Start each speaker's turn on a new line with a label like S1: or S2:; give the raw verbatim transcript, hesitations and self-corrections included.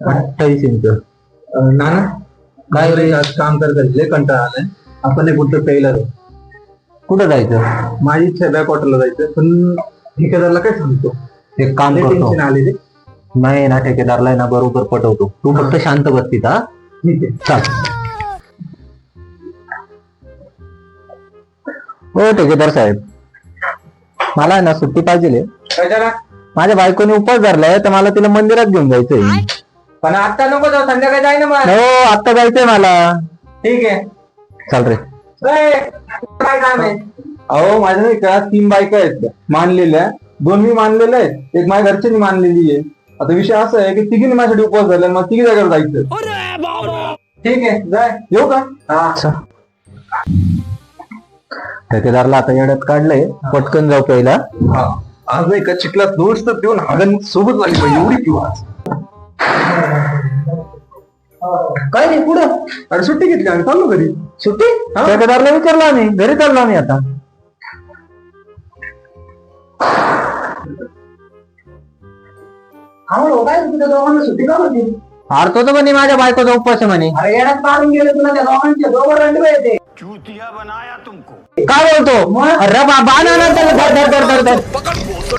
S1: अठ्ठावीस इंच.
S2: अं, नाना काय रे आज काम कर लय कंटाळा आलाय. आपण एक कुठं प्यायला जाऊ.
S1: कुठं जायचं?
S2: माझी इच्छा बॅक वॉटरला जायचं पण ठेकेदारला काय सांगतो.
S1: एक काम
S2: लय
S1: करतो,
S2: टेन्शन आले ते.
S1: नाही ना ठेकेदारला आहे ना बरोबर पटवतो. तू फक्त शांत बस तिथं हा?
S2: ठीक आहे.
S1: चल. हो ठेकेदार साहेब, मला आहे ना सुट्टी पाहिजे.
S2: कशाला?
S1: माझ्या बायकोने उपवास धरलाय तर मला तिला मंदिरात घेऊन जायचंय.
S2: पण आता नको जाऊ, संध्याकाळी जाय ना मग.
S1: हो आता जायचंय मला.
S2: ठीक आहे.
S1: चल रे.
S2: ए, काय काम आहे? अहो माझ्या नाही का तीन बायका आहेत मानलेल्या. दोन मी मानलेल्या आहेत, एक माझ्या घरच्यांनी मानलेली आहे. आता विषय असा आहे की तिघीने माझ्यासाठी उपवास झाला, मग तिघी जागेवर जायचं. ठीक आहे जाय. येऊ का?
S1: अच्छा. ठेकेदारला आता येड्यात काढलंय, पटकन जाऊ पहिला.
S2: हा. आज नाही का चिखलात दोष तर देऊन हागण सोबत लागली पाहिजे एवढी पिऊ आज. काय नाही पुढं. अरे सुट्टी घेतली आणि चाललो घरी.
S1: सुट्टी? ठेकेदारला विचारलं आम्ही, घरी चाललो आम्ही आता.
S2: काय तुझ्या दोघांना सुट्टी का होती?
S1: हारतो तर म्हणे माझ्या बायकोचा उपवास आहे म्हणे.
S2: अरे येण्यात मारून गेले तुला त्या दोघांचे दोघं रंडवे येते.
S1: काय बोलतो? अरे बाबा ना त्याला धर धर धर धर धर.